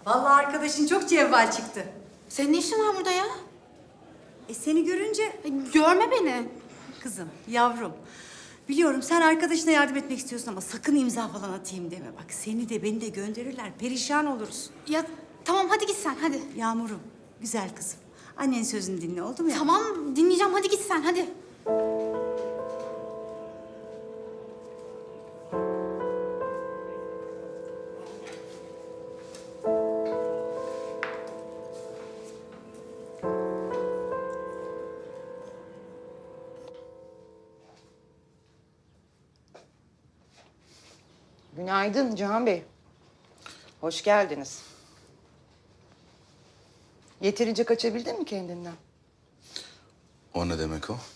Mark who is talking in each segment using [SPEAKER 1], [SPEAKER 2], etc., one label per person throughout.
[SPEAKER 1] Vallahi arkadaşın çok cevval çıktı.
[SPEAKER 2] Senin ne işin var burada ya?
[SPEAKER 1] Seni görünce...
[SPEAKER 2] Görme beni.
[SPEAKER 1] Kızım, yavrum. Biliyorum sen arkadaşına yardım etmek istiyorsun ama sakın imza falan atayım deme. Bak seni de beni de gönderirler. Perişan oluruz.
[SPEAKER 2] Ya tamam hadi git sen hadi.
[SPEAKER 1] Yağmurum, güzel kızım. Annenin sözünü dinle oldu mu ya?
[SPEAKER 2] Tamam dinleyeceğim hadi git sen hadi.
[SPEAKER 3] Günaydın Cihan Bey. Hoş geldiniz. Yeterince kaçabildin mi kendinden?
[SPEAKER 4] O ne demek o?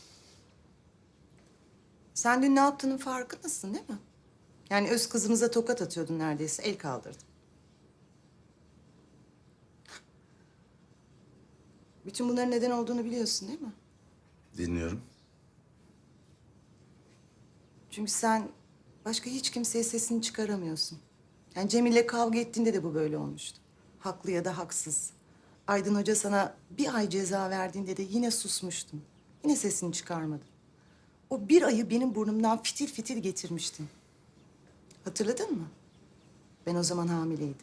[SPEAKER 3] Sen dün ne yaptığının farkındasın değil mi? Yani öz kızımıza tokat atıyordun neredeyse, el kaldırdın. Bütün bunların neden olduğunu biliyorsun değil mi?
[SPEAKER 4] Dinliyorum.
[SPEAKER 3] Çünkü sen başka hiç kimseye sesini çıkaramıyorsun. Yani Cemil'le kavga ettiğinde de bu böyle olmuştu. Haklı ya da haksız. Aydın Hoca sana bir ay ceza verdiğinde de yine susmuştun. Yine sesini çıkarmadın. O bir ayı benim burnumdan fitil fitil getirmiştin. Hatırladın mı? Ben o zaman hamileydim.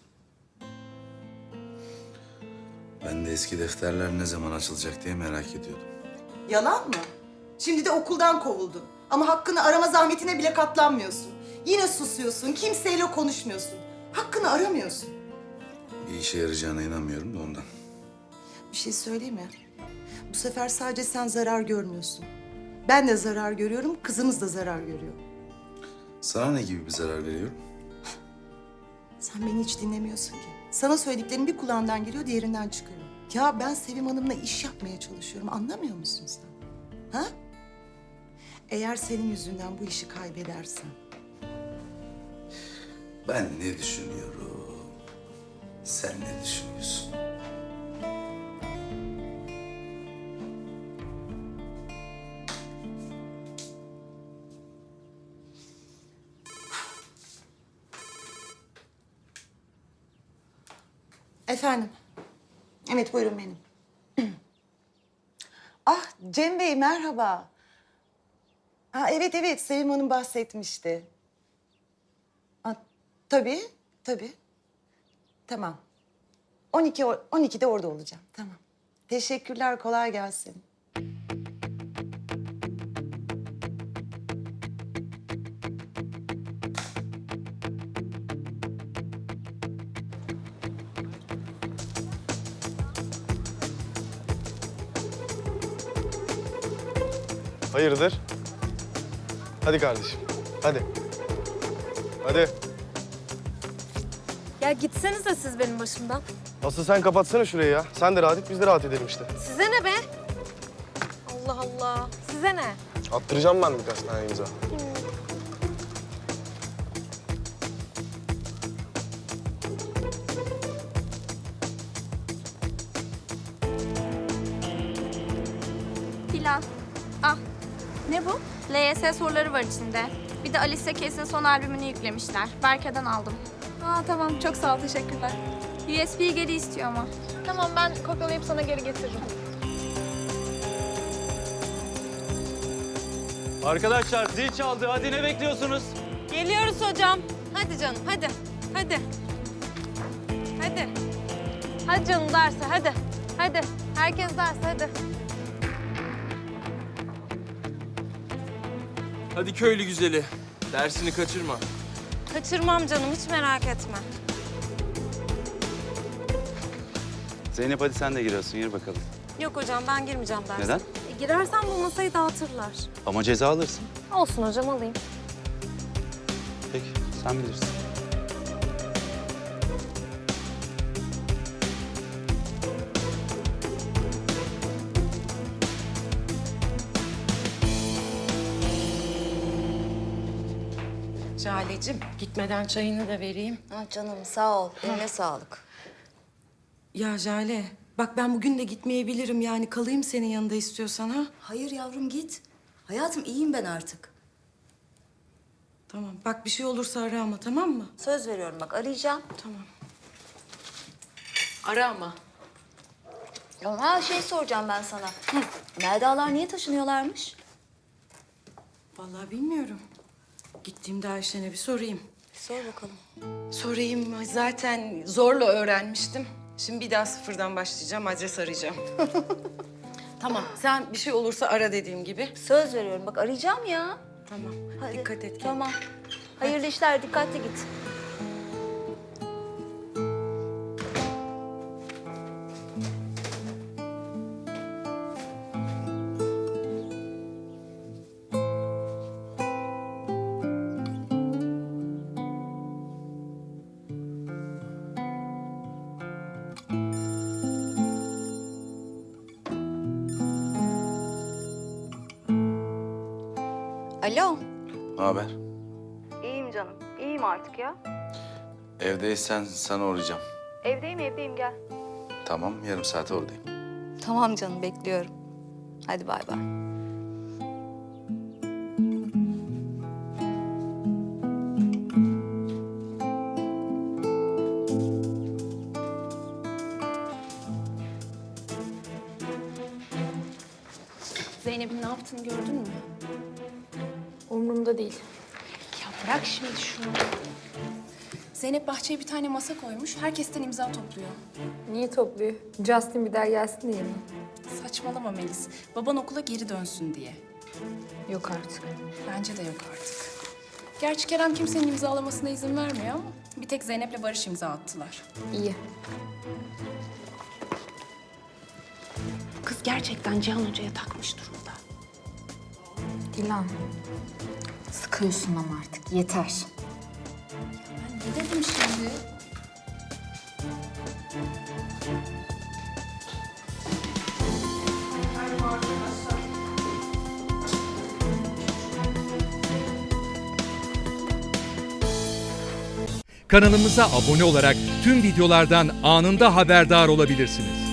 [SPEAKER 4] Ben de eski defterler ne zaman açılacak diye merak ediyordum.
[SPEAKER 3] Yalan mı? Şimdi de okuldan kovuldun. Ama hakkını arama zahmetine bile katlanmıyorsun. Yine susuyorsun, kimseyle konuşmuyorsun. Hakkını aramıyorsun.
[SPEAKER 4] Bir işe yarayacağına inanmıyorum da ondan.
[SPEAKER 3] Bir şey söyleyeyim mi? Bu sefer sadece sen zarar görmüyorsun. Ben de zarar görüyorum, kızımız da zarar görüyor.
[SPEAKER 4] Sana ne gibi bir zarar veriyorum?
[SPEAKER 3] Sen beni hiç dinlemiyorsun ki. Sana söylediklerim bir kulağından giriyor, diğerinden çıkıyor. Ya ben Sevim Hanım'la iş yapmaya çalışıyorum, anlamıyor musun sen? Ha? Eğer senin yüzünden bu işi kaybedersen...
[SPEAKER 4] Ben ne düşünüyorum? Sen ne düşünüyorsun?
[SPEAKER 3] Efendim? Evet, buyurun benim. Ah, Cem Bey merhaba. Ha, evet evet, Sevim Hanım bahsetmişti. Ha, tabii, tabii. Tamam. 12'de orada olacağım, tamam. Teşekkürler, kolay gelsin.
[SPEAKER 5] Hayırdır? Hadi kardeşim, hadi. Hadi.
[SPEAKER 6] Ya gitsenize siz benim başımdan.
[SPEAKER 5] Asıl sen kapatsana şurayı ya. Sen de rahat et, biz de rahat edelim işte.
[SPEAKER 6] Size ne be? Allah Allah. Size ne?
[SPEAKER 5] Attıracağım ben birkaç tane imza.
[SPEAKER 7] Plan. Ah,
[SPEAKER 1] Ne bu?
[SPEAKER 7] LYS soruları var içinde. Bir de Alice Keys'in son albümünü yüklemişler. Berke'den aldım.
[SPEAKER 6] Aa tamam çok sağ ol teşekkürler.
[SPEAKER 7] USB'yi geri istiyor ama.
[SPEAKER 6] Tamam ben kopyalayıp sana geri getiririm.
[SPEAKER 8] Arkadaşlar zil çaldı. Hadi ne bekliyorsunuz?
[SPEAKER 6] Geliyoruz hocam. Hadi canım hadi. Hadi. Hadi. Hadi canım derse hadi. Hadi. Herkes derse hadi.
[SPEAKER 8] Hadi köylü güzeli. Dersini kaçırma.
[SPEAKER 6] Kaçırmam canım hiç merak etme.
[SPEAKER 9] Zeynep hadi sen de giriyorsun, yürü bakalım.
[SPEAKER 6] Yok hocam ben girmeyeceğim derse.
[SPEAKER 9] Neden?
[SPEAKER 6] Girersem bu masayı dağıtırlar.
[SPEAKER 9] Ama ceza alırsın.
[SPEAKER 6] Olsun hocam alayım.
[SPEAKER 9] Peki, sen bilirsin.
[SPEAKER 10] Jale'cim gitmeden çayını da vereyim.
[SPEAKER 3] Ha canım sağ ol, eline sağlık.
[SPEAKER 10] Ya Jale, bak ben bugün de gitmeyebilirim yani kalayım senin yanında istiyorsan ha.
[SPEAKER 1] Hayır yavrum git. Hayatım iyiyim ben artık.
[SPEAKER 10] Tamam, bak bir şey olursa ara ama tamam mı?
[SPEAKER 1] Söz veriyorum bak arayacağım.
[SPEAKER 10] Tamam. Ara ama.
[SPEAKER 11] Ya şey soracağım ben sana. Meldalar niye taşınıyorlarmış?
[SPEAKER 10] Vallahi bilmiyorum. Gittiğimde Ayşen'e bir sorayım.
[SPEAKER 11] Sor bakalım.
[SPEAKER 10] Sorayım, zaten zorla öğrenmiştim. Şimdi bir daha sıfırdan başlayacağım, adres arayacağım. Tamam, sen bir şey olursa ara dediğim gibi.
[SPEAKER 11] Söz veriyorum. Bak arayacağım ya.
[SPEAKER 10] Tamam,
[SPEAKER 11] Hadi.
[SPEAKER 10] dikkat et kendine.
[SPEAKER 11] Tamam. Hayırlı işler. Dikkatli git. Alo.
[SPEAKER 4] Ne haber?
[SPEAKER 11] İyiyim canım. İyiyim artık ya.
[SPEAKER 4] Evdeysen sana uğrayacağım.
[SPEAKER 11] Evdeyim gel.
[SPEAKER 4] Tamam, yarım saate oradayım.
[SPEAKER 11] Tamam canım bekliyorum. Hadi bay bay.
[SPEAKER 2] Zeynep'in ne yaptığını gördün mü?
[SPEAKER 12] Umurumda değil.
[SPEAKER 2] Ya bırak şimdi şunu. Zeynep bahçeye bir tane masa koymuş. Herkesten imza topluyor.
[SPEAKER 12] Niye topluyor? Justin bir daha gelsin diye mi?
[SPEAKER 2] Saçmalama Melis. Baban okula geri dönsün diye.
[SPEAKER 12] Yok artık.
[SPEAKER 2] Bence de yok artık. Gerçi Kerem kimsenin imzalamasına izin vermiyor ama bir tek Zeynep'le Barış imza attılar.
[SPEAKER 12] İyi.
[SPEAKER 2] Kız gerçekten Cihan Hoca'ya takmış durumda.
[SPEAKER 12] Dilan. Sıkıyorsun ama artık. Yeter.
[SPEAKER 2] Ben ne dedim şimdi?
[SPEAKER 13] Kanalımıza abone olarak tüm videolardan anında haberdar olabilirsiniz.